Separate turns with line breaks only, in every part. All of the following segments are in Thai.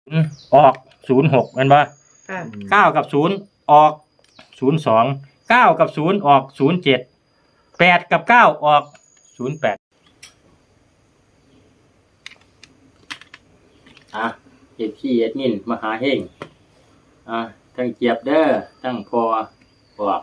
ออก06แม่นบ่
ค่ะ
9กับ0ออก02 9กับ0ออก07 8กับ9ออก08เฮ็ดพี่เฮ็ดมินมหาเฮงทั้งเจี๊ยบเด้อทั้งพอบอก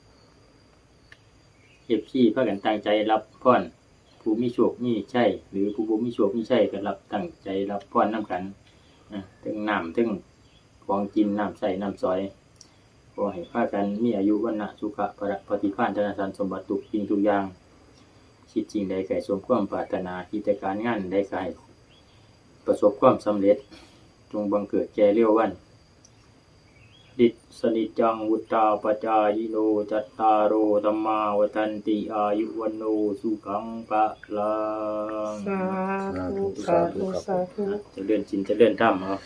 เฮ็ดพี่พากันตั้งใจรับพรผู้มีโชคมีชัยหรือผู้บ่มีโชคมีชัยก็รับตั้งใจรับพรนำกันถึงน้ำถึงของกินน้ำใส่น้ำซอยขอให้พากันมีอายุวันนะสุขะพระปฏิภาณธนสารสมบัติทุกสิ่งทุกอย่างคิดจริงใดก็ให้สมความปรารถนากิจการงานใดก็ให้ประสบความสำเร็จจงบังเกิดแก่เร็ววันดิสนิจังวุตตาปจายโนจัตตารโอธัมมาวัฏันติอายุวันโนสุขังภะลัง
สาธุสาธุสาธุ
จะเลื่อนจินจะเลื่อนถ้ำเอา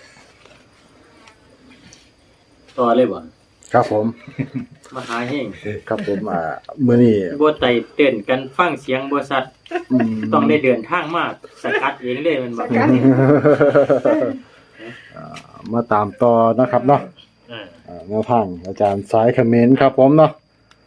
ต่อเลยบ่
ครับผม
มหาเฮง
ครับผมมื้อนี้
บ่ไต่เต้นกันฟังเสียงบ่สัตว์ต้องได้เดินทางมาสกัดเองเลยมันบ่
มาตามต่อนะครับเนาะแนวทางอาจารย์สายเขมรครับผมเนาะ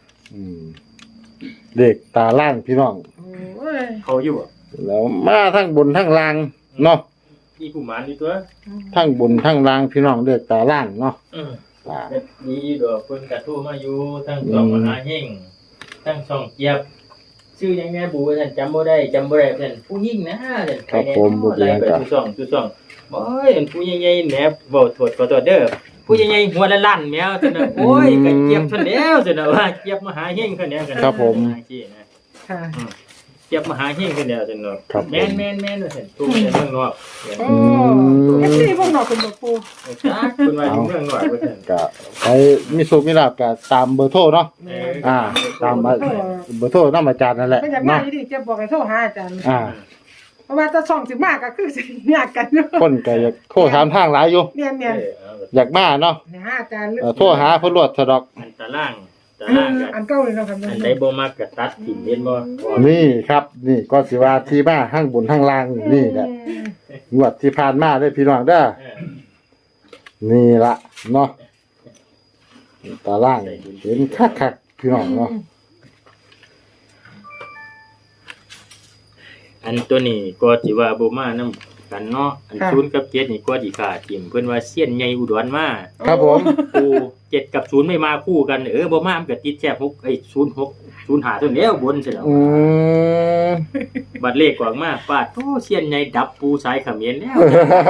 เด็กตาล่างพี่น้อง
โอ้ย
เขาอยู่บ่
แล้วมาทั้งบนทั้งล่างเนาะ
มีผู้หมานอยู่ตัว
ทั้งบนทั้งล่างพี่น้องเด็กตาล่างเนาะ
มีดอกเพิ่นก็โทรมาอยู่ทั้งช่องมหาเฮงทั้งช่องเจี๊ยบชื่อหยังแม่บูท่านจำบ่ได้เพิ่นผู้หญิงนะท่าน
ครับผมบ่เป็นหยัง
ไป
ก็
ทุกช่องบ่ยอันผู้ใหญ่ๆแหมเว้าโทษขอโทษเด้อผู้ใหญ่ๆหัวละล้านแมวซั่นน่ะโอ้ยก็เจี๊ยบซั่นแล้วซั่นน่ะว่าเจี๊ยบมหาเฮงเพิ่นเนี่ยกัน
ครับผม
ค่ะ
เจี๊ยบมหาเฮงเพิ่นเนี่ยซั่นเนาะ
ครับผม
แม่นว่าซั่นตู้ในเมืองนอก
โอ้เอฟซีพวกเราเป็นบ่ปู
จ้าเพิ่นว่าอยู่เมืองนอกว่าซั่น
ก็ใครมีโชคมีลาภก็ตามเบอร์โทรเนาะตามเบอร์โทรนำอาจารย์นั่นแหละ
ไม่อยากมา
เนาะ
อยู่ดิจะบอกให้โทรหาอาจารย์
อ่า
เพราะว่าจะส่องสิมากก็คือสิยากกันอยู่
คนก็อยากโทรถามทางหลายอยู่
เนียน
อยากมาเนาะ
ๆเนี่ยหาอาจารย์
โทรหาเพิ่นรวดซะดอก
อันตารางก็
อันเก่าเลยเนาะครับ
อันใดบ่มักก็ตัดทิ้งเห็นบ่
นี่ครับ นี่ก็สิว่าที่มาข้างบนข้างล่างนี่แหละงวดที่ผ่านมาได้อพี่น้องเด้อนี่ละเนาะตาล่างเห็นคักๆพี่น้องเนาะ
อันตัวนี้ก็สิว่าบ่มานำกันเนาะอัน0กับ7นี่ก็สิขาทิ่มเพิ่นว่าเซียนใหญ่อุดรมา
ครับผม
ปู7กับ0ไม่มาคู่กันบ่มามันก็ติดแค่606 05ตัวแล้วบนซิแล้ว บัดเลขออกมาปาดโอ้เซียนใหญ่ดับปูสายเขมรแล้ว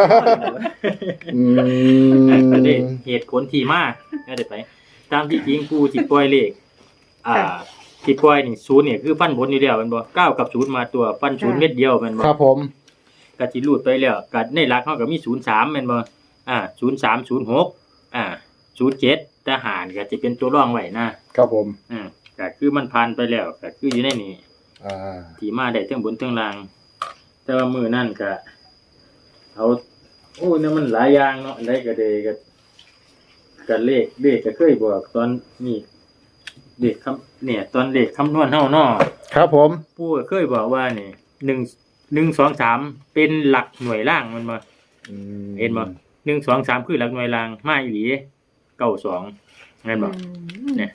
ก็ได้เหตุผลที่มาก็ได้ไป ตามที่จริงปูสิปล่อยเลขที่ปล่อยนี่0เนี่ยคือฟันบนอยู่แล้วแม่นบ่9กับ0มาตัวฟัน0เม็ดเดียวแม่นบ่
ครับผม
ก็สิรูดไปแล้วก็ในหลักเฮาก็มี03แม่นบ่03 06 07ทหารก็จะเป็นตัวรองไว้นะครับ
ผม
ก็คือมันผ่านไปแล้วก็คืออยู่ในนี้ ที่มาได้ทั้งบนทั้งล่าง แต่ว่ามื้อนั้นก็เอาโอ้เนี่ยมันหลายอย่างเนาะอันใดก็ได้ก็เลขก็เคยบอกตอนนี้เลขเนี่ยตอนเลขคำนวณเฮาเนาะ
ครับผม
ปู่ก็เคยบอกว่านี่1 2 3เป็นหลักหน่วยล่างมันบ่เห็นบ่1 2 3คือหลักหน่วยล่างมาอีหลี92แม่นบ่เนี่ย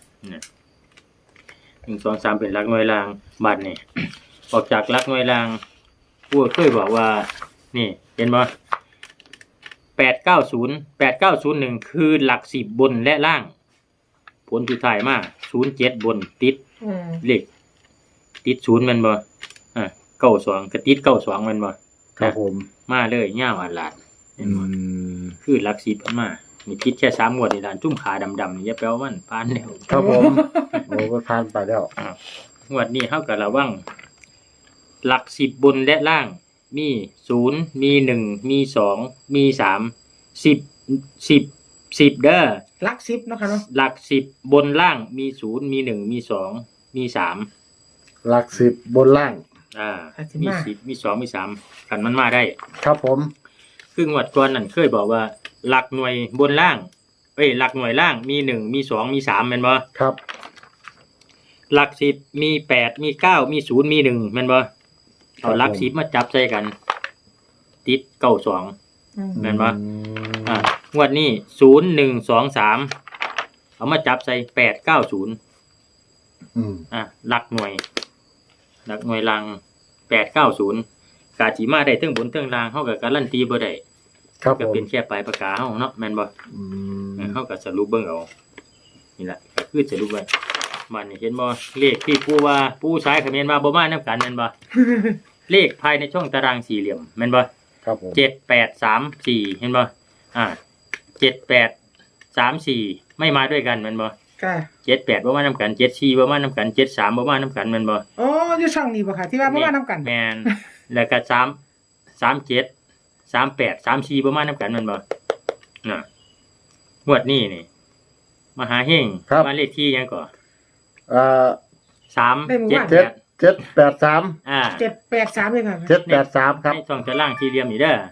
1 2 3เป็นหลักหน่วยล่างบัดนี่ ออกจากหลักหน่วยล่างปู่ก็เคยบอกว่านี่เห็นบ่890 คือหลัก10บนและล่าง ผลสุดท้ายมา07บนติดเลขติด0แม่นบ่92ก็ติด92แม่นบ่
ครับผม
มาเลยยาวอันลาดเห็นบ่คือหลัก10มันมานี่คิดแค่3งวดนี่ล่ะจุ่มขาดำๆนี่อย่าแปลว่ามันผ่านแล้ว
ครับผมโอ้ก็ผ่านไปแล้ว
งวดนี้เฮาก็ระวังหลัก10บนและล่างมี0มี1มี2มี3 10เด้อ
หลัก10เนาะค่ะเนาะ
หลัก10บนล่างมี0มี1มี2มี3
หลัก10บนล่าง
มี10มี2มี3คันมันมาได้
ครับผม
คืองวดก่อนนั่นเคยบอกว่าหลักหน่วยบนล่างหลักหน่วยล่างมี1มี2มี3แม่นบ่
ครับ
หลัก10มี8มี9มี0มี1แม่นบ่เอาหลัก10มาจับใส่กันติด92แม่นบ่งวดนี้0123เอามาจับใส่890หลักหน่วยลัง890กาจิมาได้เทิงบนเทิงล่างเฮาก็การันตีบ่ได้
ครับ
ก็เป็นแค่ปลายปากกาเฮาเนาะแม่นบ่เฮาก็สรุปเบิ่งเอานี่ล่ะก็คือสรุปไว้มันเห็นบ่เลขที่ปู่ว่าปู่สายเขมรว่าบ่มานํกันแม่นบ่ เลขภายในช่องตารางสี่เหลี่ยมแม่นบ่
ครับผม
7834เห็นบ่7834ไม่มาด้วยกันแม่นบ่
ค่ะ
78บ่มานํกัน74บ่มานํกัน73บ่มานํกันแม่นบ่
อ๋ออยู่ช่องนี้บ่ค่ะที่ว่าบ่มานํกัน
แม่นแล้วก็37 38 34บ่มานํกันแม่นบ่น่ะงวดนี้นี่มหาเฮงมาเลขที่หยังก่อ378
783
783เลยค่ะ
783ครับ
ในช่องตารางสี่เหลี่ยมนี่เด้อ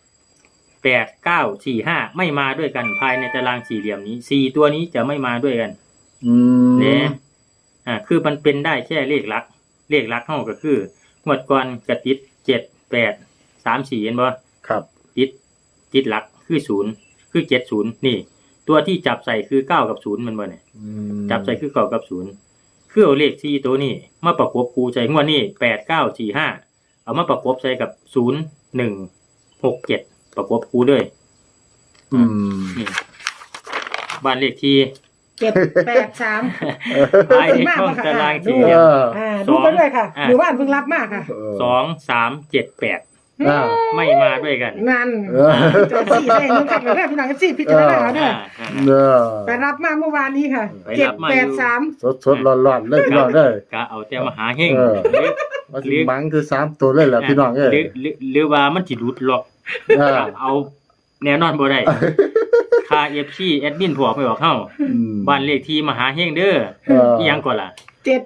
8945ไม่มาด้วยกันภายในตารางสี่เหลี่ยมนี้4ตัวนี้จะไม่มาด้วยกันเนี่ยคือมันเป็นได้แค่เลขหลักเฮาก็คืองวดก่อนก็ติด7834เห็นบ่
ครับ
ติดหลักคือ0คือ70นี่ตัวที่จับใส่คือ9กับ0มันบ่เนี่ยจับใส่คือ9กับ0คือเอาเลข4ตัวนี้มาประกบคู่ใส่งวดนี้8945เอามาประกบใส่กับ0167ประกบคู่ด้วยนี่บ้านเลขที่
783
ภายในช่องตารางสี่เหลี่ยม
ดูไปด้วยค่ะหรือว่าเพิ่งรับมากค่ะ
2378ไม่มาด้วยกัน
นั่นจะสี่ได้นึงกับเลยพี่น้องสี่พิจารณาเด้อไปรับมาเมื่อวานนี้ค่ะ783
สดๆร้อนๆเลยพี่น้องเด้อก
ะเอาแต่มหาเฮง
ว่าสิมังคือ3ตัวเลยล่ะพี่น้องเอ้ย
หรือว่ามันสิหลุดหรอกเอาแน่นอนบ่ได้ค่า FC แอดมินบอกไม่บอกเฮาบ้านเลขที่มหาเฮงเด้ออีหยังก่อนล่ะ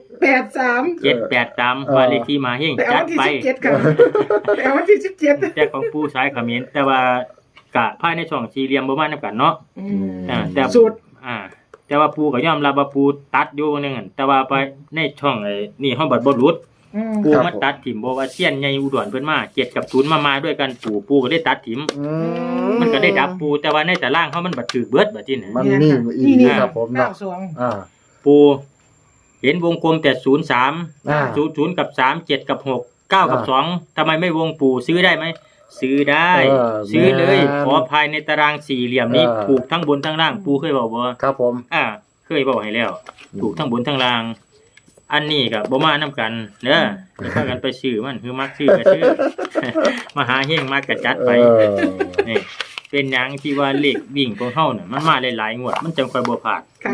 783บ้านเลขที่มหาเฮงจัดไป
แต่วันที่17
แต่ของปู่สายเขมรแต่ว่ากะภายในช่องสี่เหลี่ยมบ่มานํกันเนาะแต่
สูตร
แต่ว่าปู่ก็ยอมรับว่าปู่ตัดอยู่นึงแต่ว่าไปในช่องไอ้นี่เฮาบ่หลุดปู่มาตัดถิ่มบ่ว่าเซียนใหญ่อุดรเพิ่นมา7กับ0มาด้วยกันปู่ก็ได้ตัดถิ่มมันก็ได้ดับปู่แต่ว่าในตารางเฮามันบ่ถูกเบิดบัดนี้
มันนี่อีกครับผมเนาะ
ปู่เห็นวงกลมแต่03 00กับ3 7กับ6 9กับ2ทำไมไม่วงปู่ซื้อได้ไหมซื้อได้ซื้อเลยขอภายในตารางสี่เหลี่ยมนี้ถูกทั้งบนทั้งล่างปู่เคยบอกบ่
ครับผม
เคยบอกให้แล้วถูกทั้งบนทั้งล่างอันนี้ก็บ่มานํกันเด้ออย่าพากันไปซื้อมันคือมักซื้อก็ซื้อมหาเฮงมักก็จัดไปนี่เป็นหยังที่ว่าเลขวิ่งของเฮาน่ะมันมาหลายๆงวดมันจังค่อยบ่พลาด
ค่ะ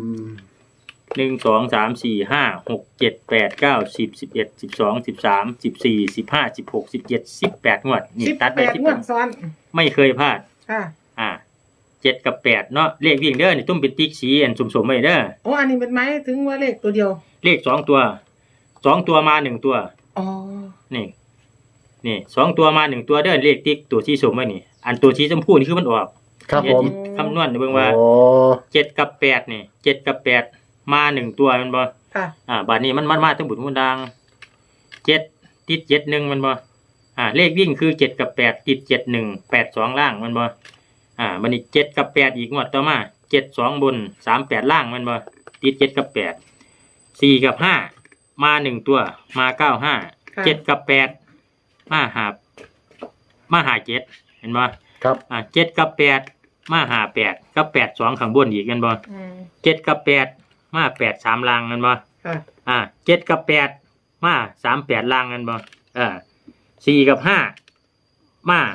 1 2 3 4 5 6 7 8 9 10 11 12 13 14 15 16 17 18งวดนี่ตัดได้
18งวดซ้อน
ไม่เคยพลาด
ค่ะ
7กับ8เนาะเลขวิ่งเด้อนี่ตุ้มเป็นติ๊กสีอันสมๆไว้เด้อ
โอ้อันนี้เป็นไม้ถึงว่าเลขตัวเดียว
เลข2ตัว2ตัวมา1ตัว
อ๋อ
นี่2ตัวมา1ตัวเด้อเลขติ๊กตัวที่สมไว้นี่อันตัวที่ชมพูนี่คือมันออก
ครับผม
คำนวณเบิ่งว่า7กับ8นี่7กับ8มา1ตัวแม่นบ่
ค่ะ
บัดนี้มันมาทั้งบุญทั้งดัง7ติด71แม่นบ่เลขวิ่งคือ7กับ8ติด71 82ล่างแม่นบ่บัดนี้7กับ8อีกงวดต่อมา72บน38ล่างแม่นบ่ติด7กับ8 4กับ5มา1ตัวมา95 7กับ8มาหา7เห็นบ่
ครับ
7กับ8มาหา8กับ82ข้างบนอีกแม่นบ่7กับ8มา83ล่างแม่นบ่7กับ8มา38ล่างแม่นบ่4กับ5มา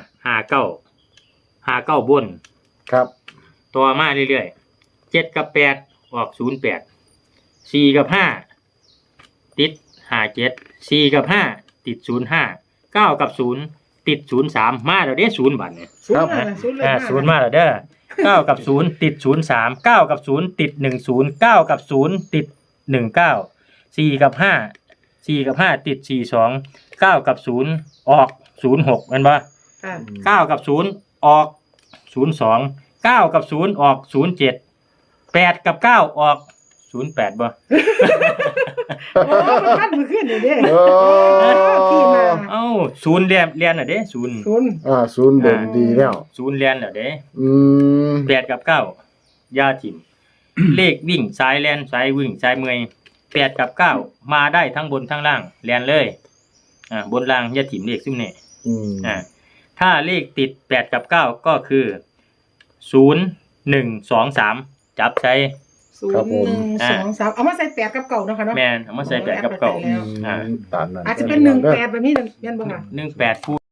59บน
ครับ
ต่อมาเรื่อยๆ7กับ8ออก08 4กับ5ติด57 4กับ5ติด05 9กับ0ติด03มาแล้วเด้0บัดเนี่ย
ครับ
0มาแล้วเด้อ9กับ0ติด03 9กับ0ติด10 9กับ0ติด19 4กับ5ติด42 9กับ0ออก06แม่นบ่9กับ0ออก02 9กับ0ออก07 8กับ9ออก08บ่
โอ้มันพันมือขึ้นนี่เด้
โอ้
ที่มา
เอ้าศูนย์เรียนน่ะเด้ศูนย์
ศูนย์
ศูนย์เด่นดีแล้ว
ศูนย์เรียนน่ะเด้
อืม
8กับ9ยาถิ่ม เลขวิ่งสายแล่นสายวิ่งสายเมื่อย8กับ9มาได้ทั้งบนทั้งล่างแล่นเลยบนล่างยาถิ่มเลขซุ่มนี่
อืม
ถ้าเลขติด8กับ9ก็คือ0 1 2 3จับใช้
0 1 2 3เอามาใส่8กับเก่าเนาะค่ะเนาะ
แม่นเอามาใส่8กับ9
แล้ว
ตามนั้น
อาจจะเป็น18แบบนี้แม่นบ่ค่ะ
18คู่